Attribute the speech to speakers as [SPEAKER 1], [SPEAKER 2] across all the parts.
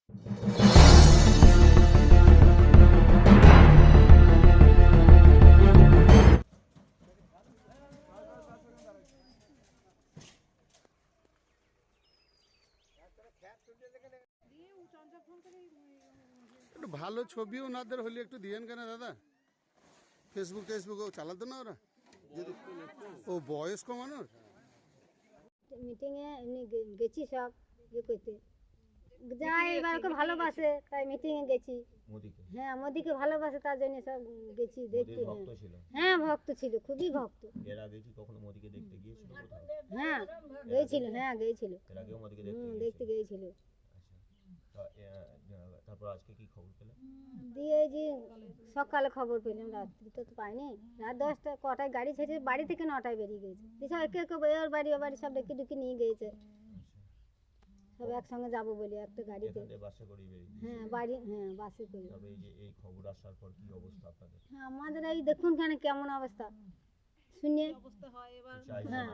[SPEAKER 1] একটু ভালো ছবি ওনাদের হলে একটু দিয়েন কেন দাদা? ফেসবুক চালাতো না ওরা? ও বয়স্ক মানুষ।
[SPEAKER 2] মিটিংয়ে এমনি গেছি সব ইয়ে করতে, যাই এবারকে ভালোবাসে তাই মিটিংয়ে গেছি। হ্যাঁ, মোদিকে ভালোবাসে তার জন্য সব গেছি দেখতে। হ্যাঁ, ভক্ত ছিল, খুবই ভক্ত।
[SPEAKER 3] এর আগে কি কখনো মোদিকে দেখতে গিয়েছিল কোথাও?
[SPEAKER 2] হ্যাঁ গিয়েছিল, গিয়েছিল।
[SPEAKER 3] এর আগেও মোদিকে
[SPEAKER 2] দেখতে গিয়েছিল।
[SPEAKER 3] তারপর আজকে কি খবর পেলেন?
[SPEAKER 2] দিয়ে এই যে সকালে খবর পেলাম, রাত্রি তো পাইনি। রাত 10টা কটায় গাড়ি ছেড়ে বাড়ি থেকে 9টায় বেরিয়ে গেছে। সব একে ওর বাড়ি সব ডেকে নিয়ে গিয়েছে। সব একসঙ্গে যাবো বলে একটা গাড়িতে।
[SPEAKER 3] বাসে করে বেরিয়ে?
[SPEAKER 2] হ্যাঁ বাড়ি, হ্যাঁ বাসে করে।
[SPEAKER 3] তবে এই যে এই খবর আসার পর কি অবস্থা আপনাদের?
[SPEAKER 2] হ্যাঁ, আমাদের এই দেখুন কেন কেমন অবস্থা শুনে অবস্থা হয় এবার। হ্যাঁ,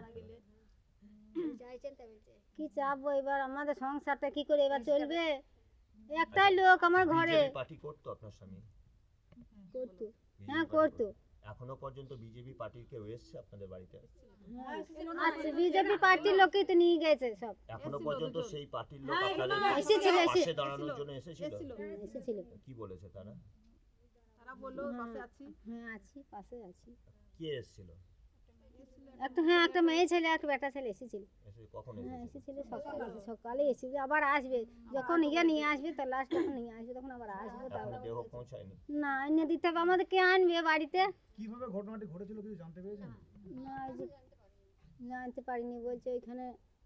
[SPEAKER 2] কি চাপবো এবার, আমাদের সংসারটা কি করে এবার চলবে? একটাই লোক আমার ঘরে।
[SPEAKER 3] পার্টি করতো আপনার স্বামী?
[SPEAKER 2] করতো, হ্যাঁ করতো।
[SPEAKER 3] এখনো পর্যন্ত বিজেপি পার্টির কেউ এসেছে আপনাদের বাড়িতে?
[SPEAKER 2] আচ্ছা, বিজেপি পার্টির লোকই তো নিয়ে গেছে সব।
[SPEAKER 3] এখনো পর্যন্ত সেই পার্টির লোক আপনাদের পাশে দাঁড়ানোর জন্য এসেছিল? কি বলেছে তারা?
[SPEAKER 4] তারা বললো পাশে আছি।
[SPEAKER 2] হ্যাঁ আছি, পাশে আছি।
[SPEAKER 3] কে এসেছিল?
[SPEAKER 2] একটা মেয়ে ছেলে, একটা বেটা ছেলে এসেছিল।
[SPEAKER 3] কখন
[SPEAKER 2] এসেছিল? সকালে এসেছিল, আবার আসবে যখন নিয়ে আসবে, তার লাস্ট যখন নিয়ে আসবে তখন আবার আসবে।
[SPEAKER 3] তাহলে দেহ পৌঁছায়নি?
[SPEAKER 2] না, এনে দিতে হবে আমাদের। কে আনবে বাড়িতে?
[SPEAKER 5] কিভাবে ঘটনাটি ঘটেছিল কিছু জানতে পেরেছেন?
[SPEAKER 2] না, জানতে পারিনি। বলছে ওইখানে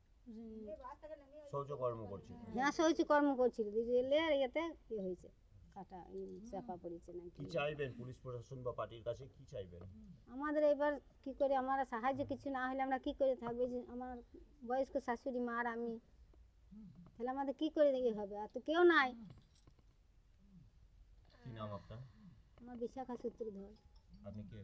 [SPEAKER 3] শৌচকর্ম করছিল।
[SPEAKER 2] হ্যাঁ, শৌচকর্ম করছিল। রেলের ইয়েতে কি হয়েছে, কাটা চাপা পড়েছে না।
[SPEAKER 3] কি চাইবেন পুলিশ প্রশাসন বা পার্টির কাছে, কি চাইবেন?
[SPEAKER 2] আমাদের এবার কি করে, আমরা সাহায্য কিছু না হলে আমরা কি করে থাকবো? যে আমার বয়স্ক শাশুড়ি মা আর আমি, তাহলে আমাদের কি করে ইয়ে হবে? আর তো কেউ নাই।
[SPEAKER 3] কি নাম আপনার?
[SPEAKER 2] আমার বিশাখা সূত্রধর।
[SPEAKER 3] আপনি কে?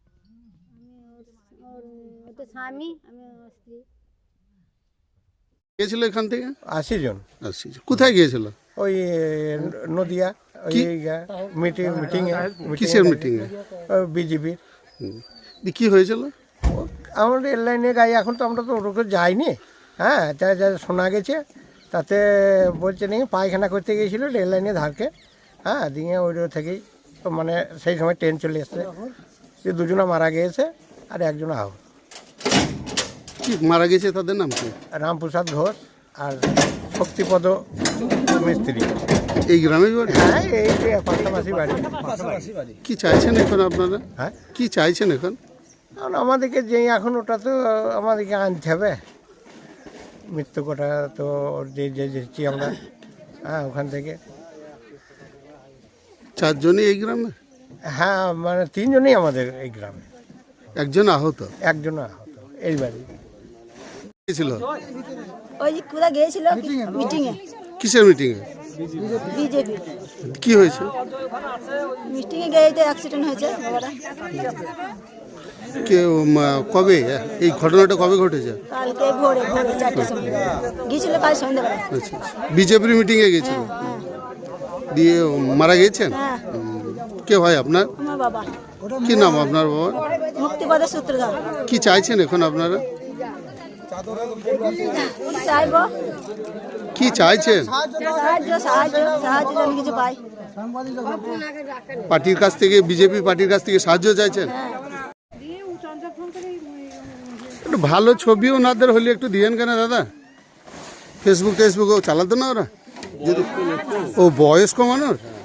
[SPEAKER 2] আমি ওর তো স্বামী, আমি ওর স্ত্রী।
[SPEAKER 1] গিয়েছিল এখান থেকে
[SPEAKER 5] 80 জন।
[SPEAKER 1] কোথায় গিয়েছিল?
[SPEAKER 5] ওই নদিয়া মিটিং।
[SPEAKER 1] কিসের মিটিং এ?
[SPEAKER 5] বিজেপির।
[SPEAKER 1] কি হয়েছিল?
[SPEAKER 5] আমাদের রেল লাইনে গাড়ি, এখন তো আমরা তো ওরকম যাইনি। হ্যাঁ, যা শোনা গেছে তাতে বলছে নাকি পায়খানা করতে গিয়েছিল রেল লাইনে ধারকে। হ্যাঁ, দিয়ে ওই থেকেই মানে সেই সময় ট্রেন চলে এসছে। সে দুজনা মারা গিয়েছে আর একজন আহত।
[SPEAKER 1] কি মারা গেছে তাদের নাম কি?
[SPEAKER 5] রামপ্রসাদ ঘোষ আর শক্তিপদ মিস্ত্রি।
[SPEAKER 1] এই গ্রামের বাড়ি?
[SPEAKER 5] হ্যাঁ, এই যে পাশাপাশি বাড়ি।
[SPEAKER 1] কি চাইছেন এখন আপনারা?
[SPEAKER 5] হ্যাঁ,
[SPEAKER 1] কি চাইছেন এখন?
[SPEAKER 5] আমাদেরকে যে এখন ওটা তো আমাদেরকে আনতে হবে। মৃত্যু কোটা তো যে যেছি আমরা। হ্যাঁ, ওখান থেকে
[SPEAKER 1] 4 জনই এই গ্রামে?
[SPEAKER 5] হ্যাঁ, মানে 3 জনই আমাদের এই গ্রামে।
[SPEAKER 1] একজন আহত?
[SPEAKER 5] একজন আহত এই বাড়ি।
[SPEAKER 1] গিয়েছিল?
[SPEAKER 6] ওই কোথা গিয়েছিল মিটিংয়ে।
[SPEAKER 1] কিসের মিটিং এ?
[SPEAKER 6] বিজেপি
[SPEAKER 1] কি হয়েছে?
[SPEAKER 6] মিটিংয়ে গিয়ে তো অ্যাক্সিডেন্ট হয়েছে বাবারা।
[SPEAKER 1] কবে এই ঘটনাটা কবে ঘটেছে?
[SPEAKER 6] কালকে ভোরে 4টার সময় গিয়েছিল, কাল সন্ধ্যাবেলা।
[SPEAKER 1] আচ্ছা, বিজেপির মিটিং এ গেছিল? দিয়ে মারা গেছেন?
[SPEAKER 6] হ্যাঁ।
[SPEAKER 1] কে হয় আপনার?
[SPEAKER 6] আমার বাবা।
[SPEAKER 1] কি নাম আপনার বাবা?
[SPEAKER 6] মুক্তিপদ সূত্রধর।
[SPEAKER 1] কি চাইছেন এখন আপনারা?
[SPEAKER 6] চাইবো
[SPEAKER 1] কি চাইছেন?
[SPEAKER 6] সাহায্য যেন কিছু পাই।
[SPEAKER 1] পার্টির কাছ থেকে, বিজেপি পার্টির কাছ থেকে সাহায্য চাইছেন? একটু ভালো ছবি ওনাদের হলে একটু দিয়েন কেন দাদা? ফেসবুক চালাতো না ওরা? ও বয়স্ক মানুষ।